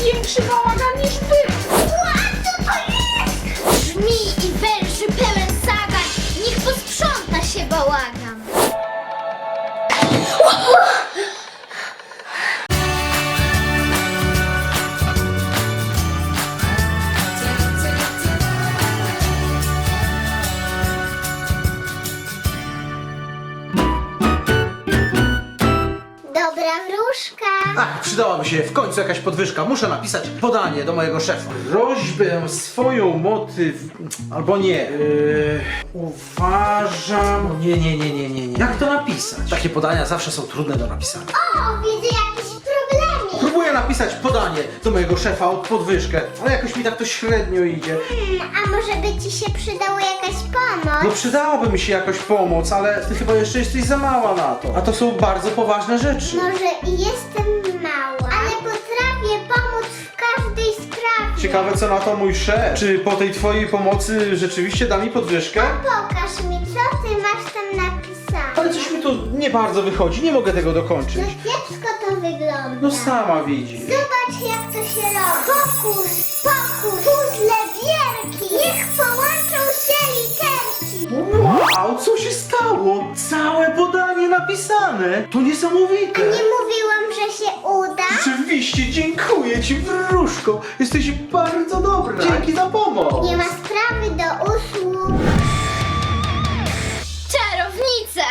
większy bałagan niż był. Ła, co to jest? Żmij i węży pełen zagat. Niech posprząta się bałagan. Dobra wróżka. Ach, przydałaby się w końcu jakaś podwyżka. Muszę napisać podanie do mojego szefa. Prośbę swoją motyw... albo nie. Uważam... Nie. Jak to napisać? Takie podania zawsze są trudne do napisania. O, widzę jakiś problemik. Próbuję napisać podanie do mojego szefa o podwyżkę, ale jakoś mi tak to średnio idzie. A może by ci się przydała jakaś pomoc? No przydałaby mi się jakoś pomoc, ale ty chyba jeszcze jesteś za mała na to. A to są bardzo poważne rzeczy. Może i jestem mała, ale potrafię pomóc w każdej sprawie. Ciekawe co na to mój szef. Czy po tej twojej pomocy rzeczywiście da mi podwyżkę? Pokaż mi, co ty masz tam napisane. Ale coś mi tu nie bardzo wychodzi, nie mogę tego No dokończyć. kiepsko to wygląda. No sama widzi. Zobacz jak to się robi. Pokus, puzzle wielki. Niech połączą się literki. Wow, co się stało? Całe podanie napisane. To niesamowite. Nie mówiłam, że się uda? Rzeczywiście, dziękuję ci, wróżko. Jesteś bardzo dobra. Dzięki za pomoc. Nie ma sprawy, do usług. Czarownica!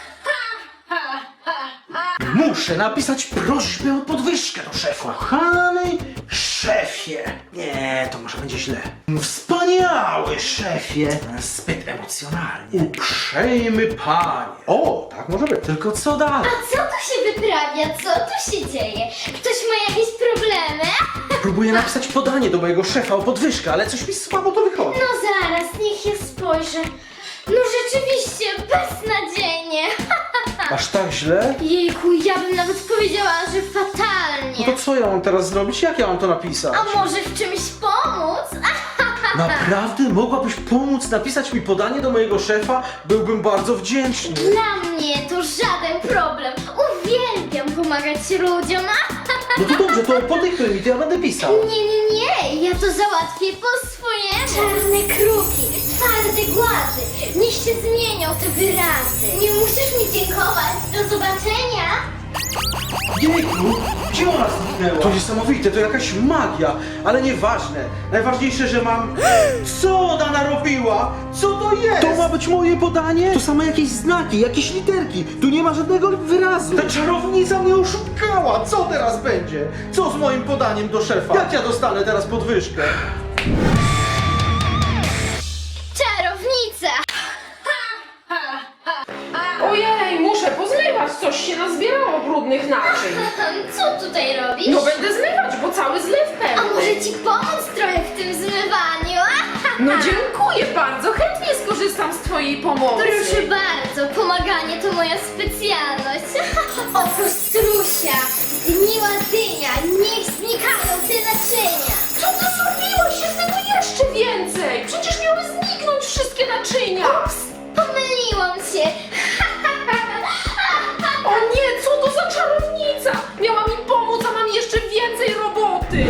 Muszę napisać prośbę o podwyżkę do szefa. Kochany szefie. Nie, to może będzie źle. Wspaniały szefie. Zbyt emocjonalnie. Uprzejmy panie. O, tak może być. Tylko co dalej? A co tu się wyprawia? Co tu się dzieje? Ktoś ma jakieś problemy? Próbuję napisać podanie do mojego szefa o podwyżkę, ale coś mi słabo to wychodzi. No zaraz, niech ja spojrzę. No rzeczywiście, beznadziejnie. Aż tak źle? Jejku, ja bym nawet powiedziała, że No fatalnie. to co ja mam teraz zrobić? Jak ja mam to napisać? A może w czymś pomóc? Naprawdę? Mogłabyś pomóc napisać mi podanie do mojego szefa? Byłbym bardzo wdzięczny. Dla mnie to żaden problem. Uwielbiam pomagać ludziom. No to dobrze, to podyktuj mi, to ja będę pisał. Nie, ja to załatwię po swojemu. Czarne kruki, twarde głazy, niech się zmienią te wyrazy. Nie musisz mi dziękować, do zobaczenia. Jejku, gdzie ona zniknęła? To niesamowite, to jakaś magia, ale nieważne. Najważniejsze, że mam... Co ona narobiła? Co to jest? To ma być moje podanie? To same jakieś znaki, jakieś literki. Tu nie ma żadnego wyrazu. Ta czarownica mnie oszukała. Co teraz będzie? Co z moim podaniem do szefa? Jak ja dostanę teraz podwyżkę? Czarownica! Ojej, muszę pozmywać, coś się nazbierało brudnych naczyń. Co tutaj robisz? No będę zmywać, bo cały zlew A pełny. może ci pomóc trochę w tym zmywaniu? No dziękuję bardzo, chętnie skorzystam z twojej pomocy. Proszę bardzo, pomaganie to moja specjalność. Oprócz strusia, gniła dynia, niech znikają te naczynia. Co ty zrobiłaś? Jest tego jeszcze więcej. Przecież miały zniknąć wszystkie naczynia. Ups, pomyliłam się. O nie, co to za czarownica? Miała mi pomóc, a mam jeszcze więcej roboty.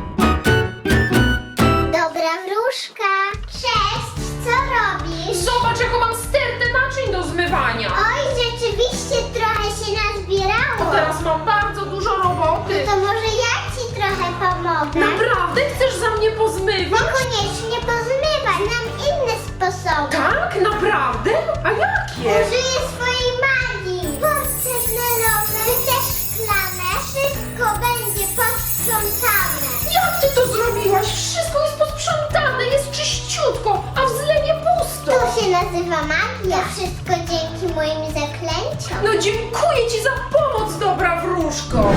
Dobra wróżka. Cześć, co robisz? Zobacz, jaką mam stertę naczyń do zmywania. Oj, rzeczywiście trochę się nazbierało. Teraz mam bardzo dużo roboty. To może ja ci trochę pomogę. Naprawdę chcesz za mnie pozmywać? Niekoniecznie pozmywać, znam inne sposoby. Tak? Naprawdę? A jakie? Użyję swojej magii. Porcelanowe, czy też szklane. Wszystko będzie posprzątane. Jak ty to zrobiłaś? Wszystko jest posprzątane, jest czyściutko, a w zlewie pusto. To się nazywa magia. To wszystko dzięki moim zaklęciom. No dziękuję ci za pomoc, dobra wróżko.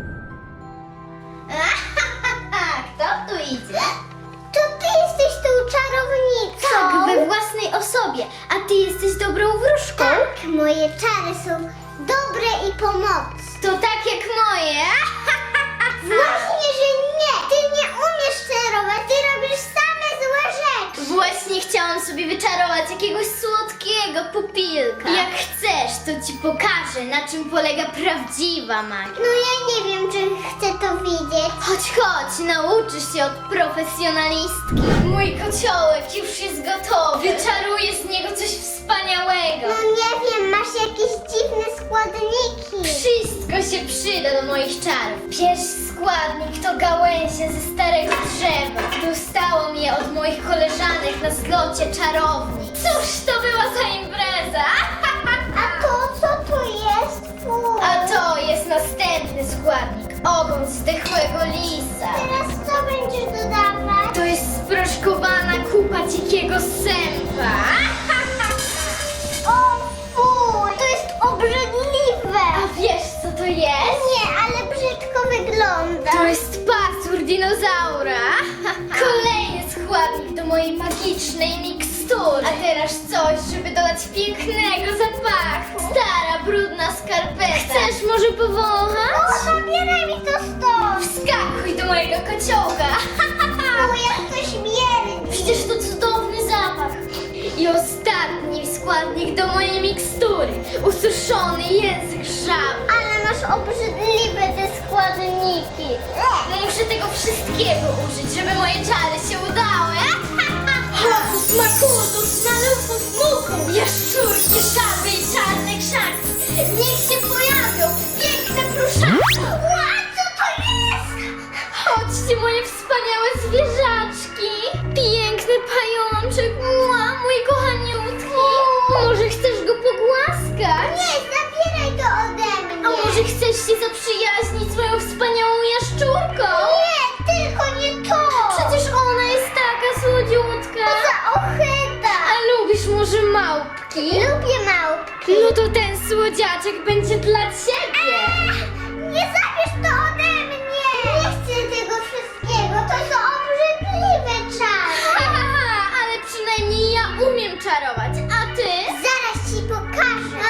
Kto tu idzie? To ty jesteś tą czarownicą. Tak, we własnej osobie. A ty jesteś dobrą wróżką? Tak, moje czary są dobre i pomocne. To tak jak moje? Właśnie, że nie. Ty nie umiesz czarować, ty robisz same złe rzeczy. Właśnie chciałam sobie wyczarować jakiegoś słodkiego pupilka. Jak chcesz, to ci pokażę, na czym polega prawdziwa magia. No ja nie wiem, czy chcę to widzieć. Chodź, nauczysz się od profesjonalistki. Mój kociołek już jest gotowy. Wyczaruję z niego coś wspaniałego. No nie wiem, masz jakieś dziwne składniki. Wszystko się przyda do moich czarów. Pierwszy składnik to gałęzie ze starego drzewa. Dostałam je od moich koleżanek na zlocie czarowni. Cóż to była za impreza? A to co to jest? Fuj. A to jest następny składnik. Ogon zdechłego lisa. Teraz co będziesz dodawać? To jest sproszkowana kupa dzikiego sępa. O fuj, to jest obrzydliwe. A wiesz co to jest? Nie, ale brzydko wygląda. To jest pasur dinozaura. Kolejny składnik do mojej magicznej mikstury. A teraz coś, żeby dodać pięknego zapachu. Stara, brudna skarpeta. Chcesz może powąchać? O, zabieraj mi to stąd. Wskakuj do mojego kociołka. Fuj, jak to śmierdzi. Przecież to cudowny zapach. I ostatni składnik do mojej mikstury. Ususzony język żaby. Ale masz obrzydliwe te składniki. Muszę tego wszystkiego użyć, żeby moje czary się udały. Hokus makutus, malufus muku, jaszczurki, żaby i czarne krzaki. Niech się pojawią, piękne pluszaki. Ła, co to jest? Chodźcie, moje wspaniałe zwierzaczki. Piękny pajączek, mój kochaniutki. Może chcesz go pogłaskać? Nie, zabieraj to ode mnie. A może chcesz się zaprzyjaźnić z moją wspaniałą jaszczurką? Nie, tylko nie to. Przecież ona jest taka słodziutka. Za ochyda. A lubisz może małpki? Lubię małpki. No to ten słodziaczek będzie dla ciebie. Nie zabierz to ode mnie. Nie chcę tego wszystkiego. To są obrzydliwe czary. Ale przynajmniej ja umiem czarować, a ty? Zaraz ci pokażę.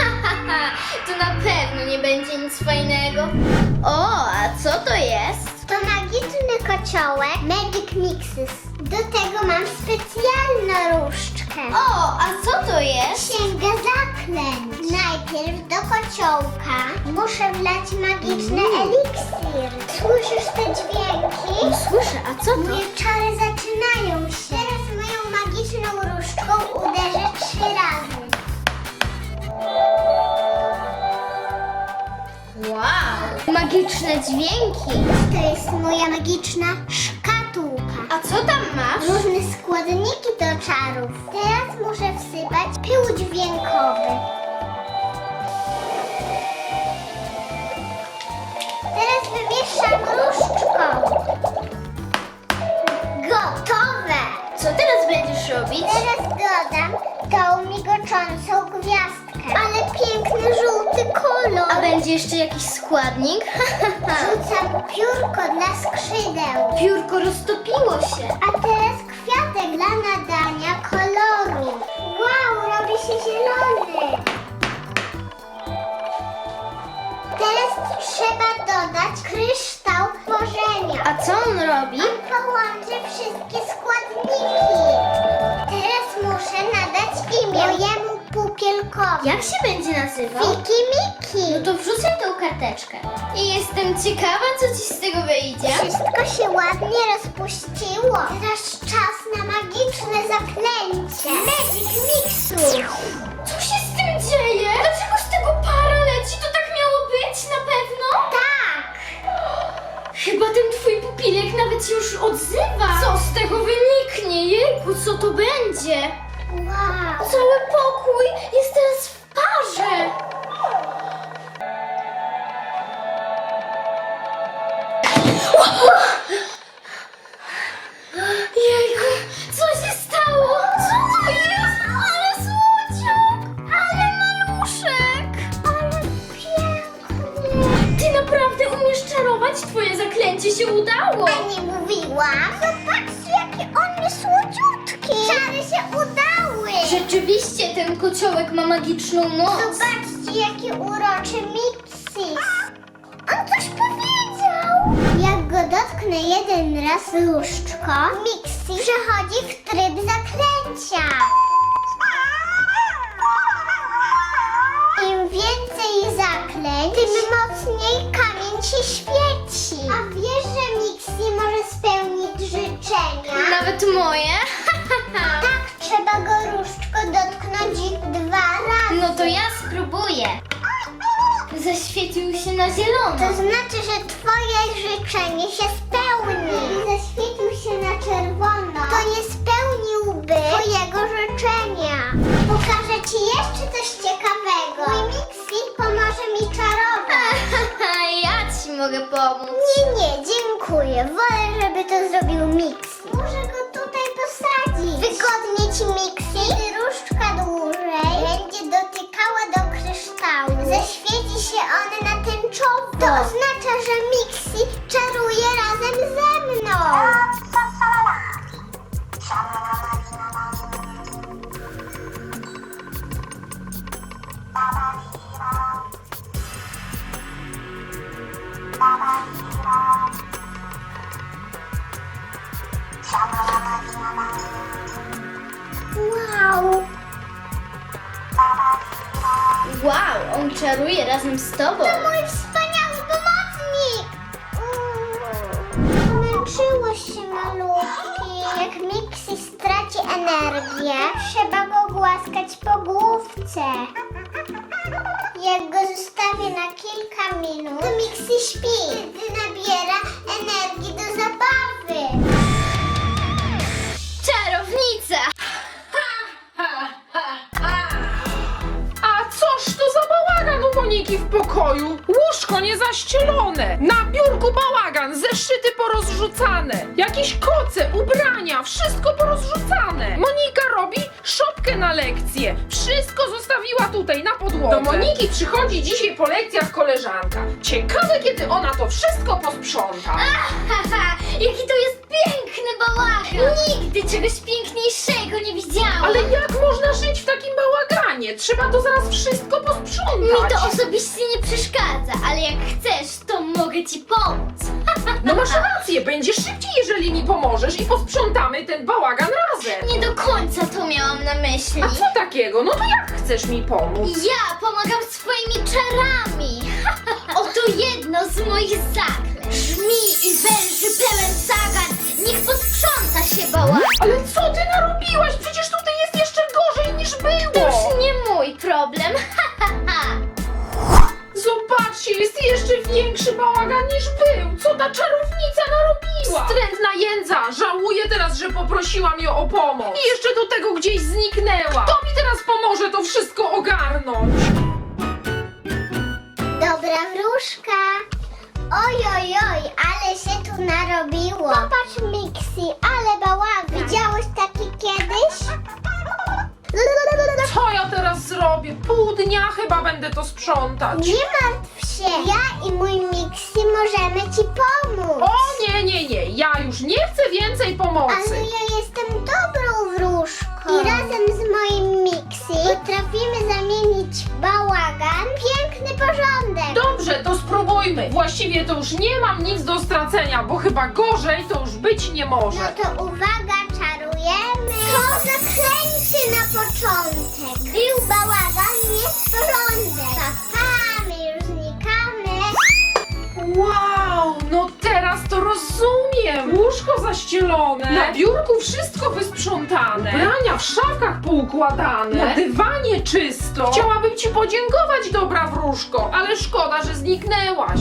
To na pewno nie będzie nic fajnego. O, a co to jest? To magiczny kociołek Magic Mixes. Do tego mam specjalną różdżkę. O, a co to jest? Księga zaklęć. Najpierw do kociołka muszę wlać magiczny eliksir. Słyszysz te dźwięki? Słyszę, a co Moje czary zaczynają się. Teraz moją magiczną różdżką uderzę 3 razy. Wow, magiczne dźwięki. To jest moja magiczna szkatułka. A co tam masz? Różne składniki do czarów. Teraz muszę wsypać pył dźwiękowy. Teraz wymieszam różdżką. Gotowe! Co teraz będziesz robić? Teraz dodam tą migoczącą gwiazdkę. Ale piękny żółty kolor. A będzie jeszcze jakiś składnik? Rzucam piórko dla skrzydeł. Piórko roztopiło się. A teraz kwiatek dla nadania koloru. Wow, robi się zielony. Teraz trzeba dodać kryształ tworzenia. A co on robi? On połączy wszystkie składniki. Teraz muszę nadać imię mojemu pupielkowi. Jak się będzie nazywał? Fiki Miki. No to wrzucaj tą karteczkę. I jestem ciekawa, co ci z tego wyjdzie. Wszystko się ładnie rozpuściło. Teraz czas na magiczne zaklęcie. Magic Mixu. Co się z tym dzieje? Dlaczego z tego para leci? To tak miało być na pewno? Tak. Chyba ten twój pupilek nawet się już odzywa. Co z tego wyniknie? Jejku, co to będzie? Wow. Cały pokój jest teraz w parze. Jejku, co się stało? Co to jest? Ale słodziak! Ale maluszek! Ale piękny. Ty naprawdę umiesz czarować? Twoje zaklęcie się udało! A nie mówiłam? Zobaczcie, jaki on jest słodziutki. Czary się udały. Rzeczywiście ten kociołek ma magiczną moc. Zobaczcie, jaki uroczy Mixis. On coś powiedział. Jak go dotknę jeden raz różdżką, Mixi przechodzi w tryb zaklęcia. Im więcej zaklęć, tym mocniej kamień się świeci. A wiesz, że nawet moje? Tak, trzeba go różdżko dotknąć 2 razy. No to ja spróbuję. Zaświecił się na zielono. To znaczy, że twoje życzenie się spełni. Zaświecił się na czerwono. To nie spełniłby twojego życzenia. Pokażę ci jeszcze coś ciekawego. Mój Mixi pomoże mi czarować. Ja ci mogę pomóc. Nie, dziękuję. Wolę, żeby to zrobił Mixi. Muszę go tutaj posadzić. Wygodnie ci, Mixi. Kiedy różdżka dłużej będzie dotykała do kryształu, zaświeci się one na tęczowo. To oznacza, że Mixi czaruje razem ze mną. Wow. Wow, on czaruje razem z tobą. To mój wspaniały pomocnik! Zmęczyło się malutki. Jak Mixi straci energię, trzeba go głaskać po główce. Jak go zostawię na kilka minut, to Mixi śpi, gdy nabiera energii do zabawy. Czarownica! A coż to za bałagan u Moniki w pokoju? Łóżko niezaścielone, na biurku bałagan, zeszyty porozrzucane, jakieś koce, ubrania, wszystko porozrzucane. Monika robi szopkę na lekcję, wszystko zostawiła tutaj na podłodze. Do Moniki przychodzi dzisiaj po lekcjach koleżanka. Ciekawe, kiedy ona to wszystko posprząta. Haha, jaki to jest piękny bałagan! Nigdy czegoś piękniejszego nie widziałam! Ale jak można żyć w takim bałaganie? Trzeba to zaraz wszystko posprzątać. Mi to osobiście nie przeszkadza, ale jak chcesz, to mogę ci pomóc. No masz rację, będzie szybciej, jeżeli mi pomożesz i posprzątamy ten bałagan razem. Nie do końca to miałam na myśli. A co takiego? No to jak chcesz mi pomóc? Ja pomagam swoimi czarami. Oto jedno z moich zaklęć. Żmij i węży pełen zagat. Niech posprząta się bałagan. Ale co ty narobiłaś? Przecież tutaj jest jeszcze gorzej niż To było. już nie mój problem. Zobaczcie, jest jeszcze większy bałagan niż był. Co ta czarownica narobiła? Wstrętna jędza. Żałuję teraz, że poprosiłam ją o pomoc. I jeszcze do tego gdzieś zniknęła. Kto mi teraz pomoże to wszystko ogarnąć? Dobra wróżka. Oj, ale się tu narobiło. Popatrz, Mixi, ale bałagan. Widziałeś taki kiedyś? Co ja teraz zrobię? Pół dnia chyba będę to sprzątać. Nie martw się. Ja i mój Mixi możemy ci pomóc. O nie, ja już nie chcę więcej pomocy. Ale ja jestem dobrą wróżką. I razem z moim Mixi potrafimy zamienić bałagan w piękny porządek. Dobrze, to spróbujmy. Właściwie to już nie mam nic do stracenia, bo chyba gorzej to już być nie może. No to uwaga, czarujemy. To zaklęcie na początek. Był bałagan, jest porządek. My już znikamy. Wow, no teraz to rozumiem. Łóżko zaścielone, na biurku wszystko wysprzątane, ubrania w szafkach poukładane, na dywanie czysto. Chciałabym ci podziękować, dobra wróżko, ale szkoda, że zniknęłaś.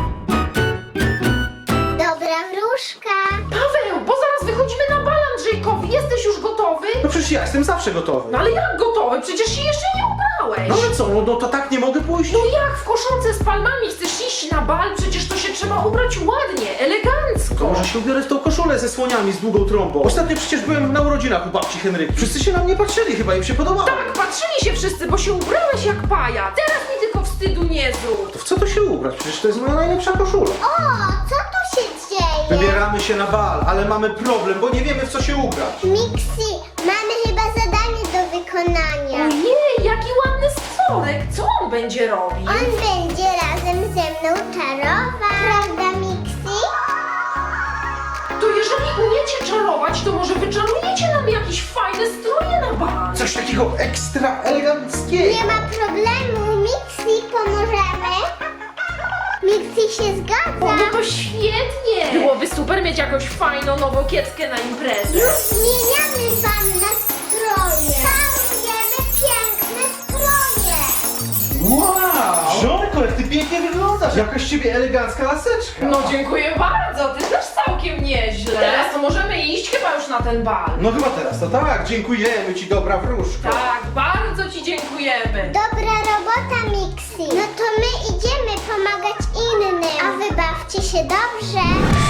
Dobra wróżka. Paweł, bo zaraz wychodzimy na bal Andrzejkowi. Jesteś już gotowy? No przecież ja jestem zawsze gotowy. No ale jak gotowy? Przecież się jeszcze nie ubrałeś. No ale co, no to tak nie mogę pójść? No jak w koszulce z palmami chcesz iść na bal? Przecież to się trzeba ubrać ładnie, elegancko. To może się ubiorę w tą koszulę ze słoniami z długą trąbą. Ostatnio przecież byłem na urodzinach u babci Henryki. Wszyscy się na mnie patrzyli, chyba im się podobało. Tak, patrzyli się wszyscy, bo się ubrałeś jak paja. Teraz mi tylko wstydu nie zrób. To w co to się ubrać? Przecież to jest moja najlepsza koszula. O, co tu się dzieje? Wybieramy się na bal, ale mamy problem, bo nie wiemy, w co się ubrać. Mixi, mamy chyba zadanie do wykonania. Ojej, jaki ładny scorek. Co on będzie robił? On będzie razem ze mną czarować. Prawda, Mixi? To jeżeli umiecie czarować, to może wyczarujecie nam jakieś fajne stroje na bal. Coś takiego ekstra eleganckiego. Nie ma problemu, Mixi, pomożemy. Mixi się O, zgadza. no to świetnie! Byłoby super mieć jakąś fajną, nową kieckę na imprezę. Już zmieniamy wam nastroje. Malujemy piękne stroje. Wow! Żonko, jak ty pięknie wyglądasz! Jakaś z ciebie elegancka laseczka! No dziękuję bardzo, ty też całkiem nieźle. Teraz to możemy iść chyba już na ten bal. No chyba teraz to tak, dziękujemy ci, dobra wróżko. Tak, bardzo ci dziękujemy. Dobra robota, Mixi. No to my idziemy pomagać innym. A wy bawcie się dobrze.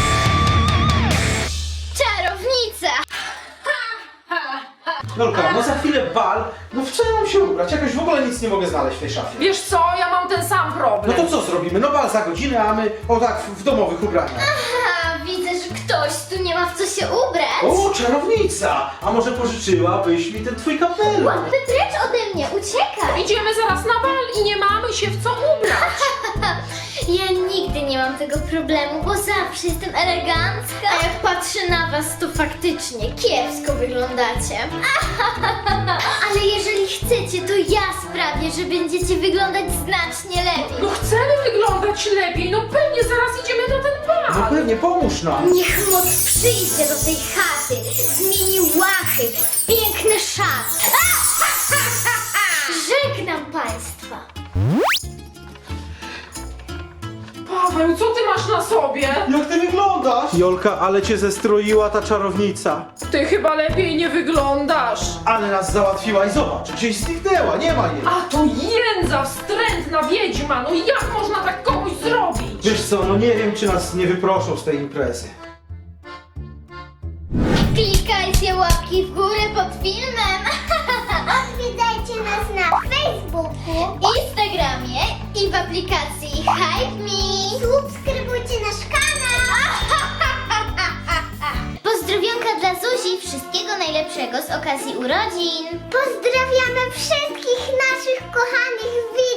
Czarownica! Jolka, no za chwilę bal, no w co ja mam się ubrać? Jakoś w ogóle nic nie mogę znaleźć w tej szafie. Wiesz co, ja mam ten sam No problem. to co zrobimy? No bal za godzinę, a my o tak w domowych ubraniach. Aha, widzę, że ktoś tu nie ma w co się ubrać. O, czarownica! A może pożyczyłabyś mi ten twój kapelusz? Łapy precz ode mnie, uciekaj! Idziemy zaraz na bal i nie mamy się w co ubrać. Ja nigdy nie mam tego problemu, bo zawsze jestem elegancka. A jak patrzę na was, to faktycznie kiepsko wyglądacie. Ale jeżeli chcecie, to ja sprawię, że będziecie wyglądać znacznie lepiej. No chcemy wyglądać lepiej, no pewnie zaraz idziemy na ten No bal. pewnie, pomóż nam. Niech moc przyjdzie do tej chaty, zmieni łachy w piękne szaty. Żegnam państwa. Paweł, co ty masz na sobie? Jak ty wyglądasz? Jolka, ale cię zestroiła ta czarownica. Ty chyba lepiej nie wyglądasz. Ale nas załatwiła i zobacz, gdzieś zniknęła, nie ma jej. A to jędza, wstrętna wiedźma, no jak można tak komuś zrobić? Wiesz co, no nie wiem, czy nas nie wyproszą z tej imprezy. Klikajcie łapki w górę pod filmem. Odwiedzajcie nas na Facebooku. Instagramie i w aplikacji Hype Me. Subskrybujcie nasz kanał. Pozdrowionka dla Zuzi, wszystkiego najlepszego z okazji urodzin. Pozdrawiamy wszystkich naszych kochanych widzów.